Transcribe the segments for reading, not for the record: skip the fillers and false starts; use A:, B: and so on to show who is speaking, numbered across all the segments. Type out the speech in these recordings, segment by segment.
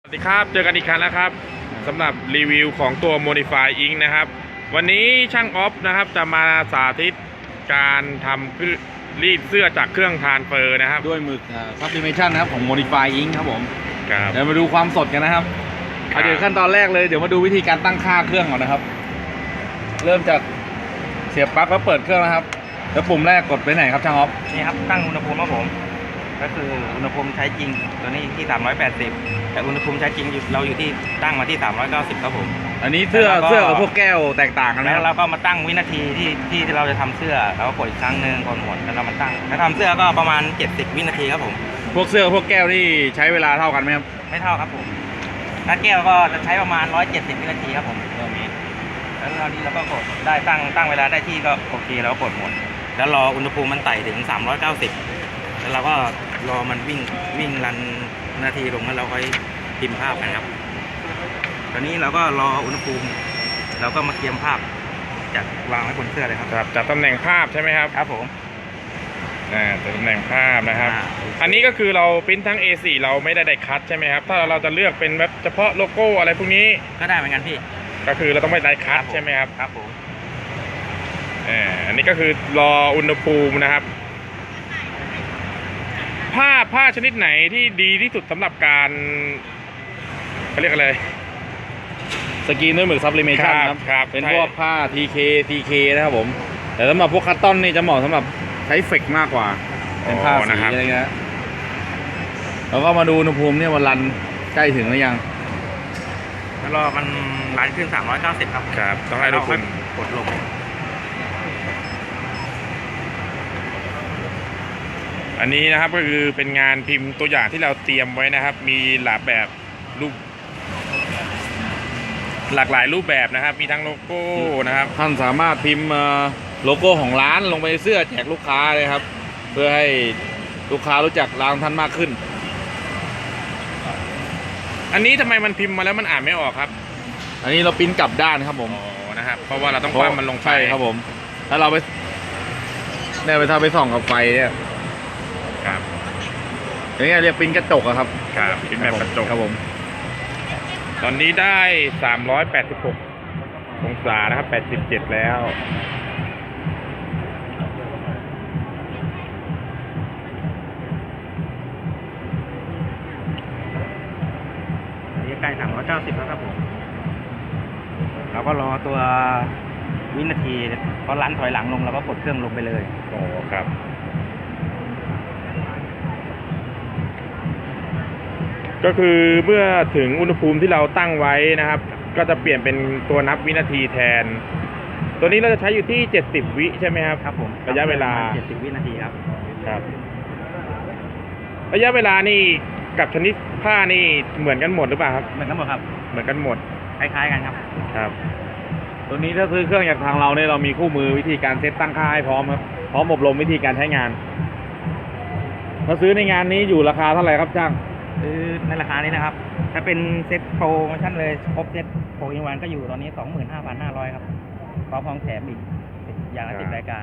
A: สวัสดีครับเจอกันอีกครั้งแล้วครับสำหรับรีวิวของตัว Modify Ink นะครับวันนี้ช่างออฟนะครับจะมาสาธิตการทำรีดเสื้อจากเครื่องทานเฟอร์นะครับ
B: ด้วยหมึกSublimation นะครับของ Modify Ink ครับผม
A: ครับ
B: เดี๋ยวมาดูความสดกันนะครับเดี๋ยวขั้นตอนแรกเลยเดี๋ยวมาดูวิธีการตั้งค่าเครื่องก่อนนะครับเริ่มจากเสียบปลั๊กแล้วเปิดเครื่องนะครับแล้วปุ่มแรกกดไปไหนครับช่างออฟ
C: นี่ครับตั้งอุณหภูมิครับผมก็คืออุณหภูมิใช้จริงตัวนี้ที่380แต่อุณหภูมิใช้จริงเราอยู่ที่ตั้งมาที่390ครับผม
B: อันนี้เสื้อกับพวกแก้วแตกต่างกันไหม
C: แล้วเราก็มาตั้งวินาทีที่เราจะทำเสื้อเราก็กดอีกครั้งหนึ่งกดหมดแล้วเรามาตั้งถ้าทำเสื้อก็ประมาณ70วินาทีครับผม
B: พวกเสื้อกับพวกแก้วนี่ใช้เวลาเท่ากันไหมครับ
C: ไม่เท่าครับผมถ้าแก้วก็จะใช้ประมาณ170วินาทีครับผมแล้วตอนนี้เราก็กดได้ตั้งเวลาได้ที่ก็โอเคเราก็กดหมดแล้วรออุณหภูมิมันไต่ถึง390แล้วเราก็รอมันวิ่งรันนาทีลงแล้วเราค่อยพิมพ์ภาพกันครับตอนนี้เราก็รออุณหภูมิเราก็มาเตรียมภาพจัดวางไว้บนเสื้อเลยครับ
A: จัดตำแหน่งภาพใช่ไหมครับ
C: ครับผม
A: จัดตำแหน่งภาพนะครับอันนี้ก็คือเราพิมพ์ทั้ง A4 เราไม่ได้คัดใช่ไหมครับถ้าเราจะเลือกเป็นแบบเฉพาะโลโก้อะไรพวกนี้
C: ก็ได้เหมือนกันพี่
A: ก็คือเราต้องไม่ได้คัดใช่ไหมครับ
C: ครับผม
A: อันนี้ก็คือรออุณหภูมินะครับผ้าชนิดไหนที่ดีที่สุดสำหรับการเขาเรียกอะไร
B: สกรีนด้วยหมึก Sublimation
A: ครับ
B: เป็นพวกผ้า TK นะครับผมแต่สำหรับพวกคัตตอนนี่จะเหมาะสำหรับใช้เฟกมากกว่าเป็นผ้าสีอะไรเงี้ยแล้วก็มาดูอุณหภูมิเนี่ยวันรันใกล้ถึงหรือยัง
C: แล้วรอมันรันขึ้น390ครับ
A: ต้องให้ทุกคน
C: กดลง
A: อันนี้นะครับก็คือเป็นงานพิมพ์ตัวอย่างที่เราเตรียมไว้นะครับมีหลากแบบรูปหลากหลายรูปแบบนะครับมีทั้งโลโก้นะครับ
B: ท่านสามารถพิมพ์โลโก้ของร้านลงไปในเสื้อแจกลูกค้าเลยครับเพื่อให้ลูกค้ารู้จักร้านท่านมากขึ้น
A: อันนี้ทำไมมันพิมพ์มาแล้วมันอ่านไม่ออกครับ
B: อันนี้เราพิมพ์กลับด้านครับผม
A: นะครับเพราะว่าเราต้องคว่ำมันลงไป
B: ครับผมถ้าเราไปถ้าไปส่องกับไฟเนี่ย
A: ครับ
B: อย่างเงี้ยเรียกพิมพ์กระจกครับ
A: พิมพ์แบบกระจก
B: ครับผม
A: ตอนนี้ได้386องศานะครับ87แล้ว
C: นี่ใกล้390แล้วครับผมเราก็รอตัววินาทีพอรันถอยหลังลงเราก็กดเครื่องลงไปเลย
A: ครับก็คือเมื่อถึงอุณหภูมิที่เราตั้งไว้นะครับก็จะเปลี่ยนเป็นตัวนับวินาทีแทนตัวนี้เราจะใช้อยู่ที่70วิใช่ไหมครับ
C: ครับผม
A: ระยะเวลา
C: 70วินาทีครับ
A: ระยะเวลานี่กับชนิดผ้านี่เหมือนกันหมดหรือเปล่าครับ
C: เหมือนกันหมดครับ
A: เหมือนกันหมด
C: คล้ายๆกันครับ
B: ตัวนี้ถ้าซื้อเครื่องจากทางเราเนี่ยเรามีคู่มือวิธีการเซตตั้งค่าให้พร้อมครับพร้อมอบรมวิธีการใช้งานถ้าซื้อในงานนี้อยู่ราคาเท่าไหร่ครับจ้าง
C: ในราคานี้นะครับถ้าเป็นเซ็ตโปรโมชั่นเลยครบเซ็ตโปรอินวันก็อยู่ตอนนี้ 25,500 ครับพร้อมแถมอีกอย่างละ10รายการ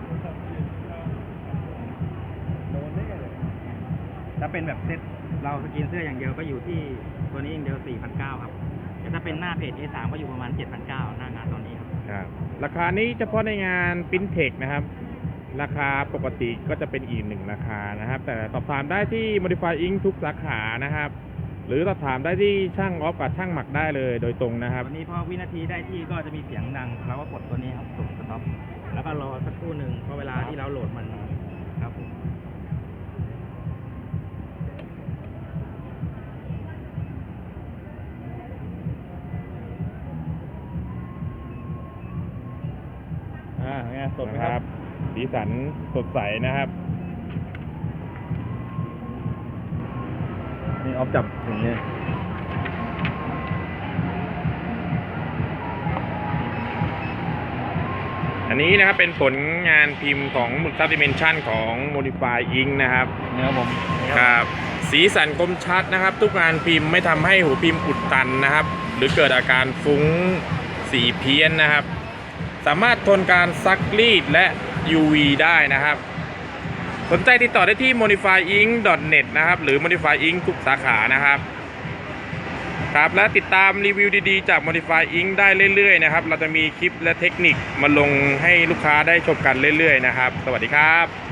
C: ถ้าเป็นแบบเซ็ตเราสกรีนเสื้ออย่างเดียวก็อยู่ที่ตัวนี้อย่างเดียว 4,900 ครับแต่ถ้าเป็นหน้าเพจ A3 ก็อยู่ประมาณ 7,900 หน้างานตอนนี้
A: ครับราคานี้เฉพาะในงานปริ้นเทคนะครับราคาปกติก็จะเป็นอีก1ราคานะครับแต่สอบถามได้ที่ Modify Ink ทุกสาขานะครับหรือสอบถามได้ที่ช่างออฟกับช่างหมักได้เลยโดยตรงนะครับ
C: วันนี้พอวินาทีได้ที่ก็จะมีเสียงดังเราก็กดตัวนี้ครับสุ่มสต็อปแล้วก็รอสักครู่หนึ่งพอเวลาที่เราโหลดมันครับผม
B: สดนะครับ
A: สีสันสดใสนะครับ
B: นี่ออฟจับอย่างนี้
A: อันนี้นะครับเป็นผลงานพิมพ์ของหมึก Sublimation ของ Modify Ink นะครับ
B: ผม
A: ครับสีสันคมชัดนะครับทุกงานพิมพ์ไม่ทำให้หัวพิมพ์อุดตันนะครับหรือเกิดอาการฟุ้งสีเพี้ยนนะครับสามารถทนการซักรีดและ UV ได้นะครับสนใจติดต่อได้ที่ modifyink.net นะครับหรือ Modify Ink ทุกสาขานะครับครับและติดตามรีวิวดีๆจาก Modify Inc ได้เรื่อยๆนะครับเราจะมีคลิปและเทคนิคมาลงให้ลูกค้าได้ชมกันเรื่อยๆนะครับสวัสดีครับ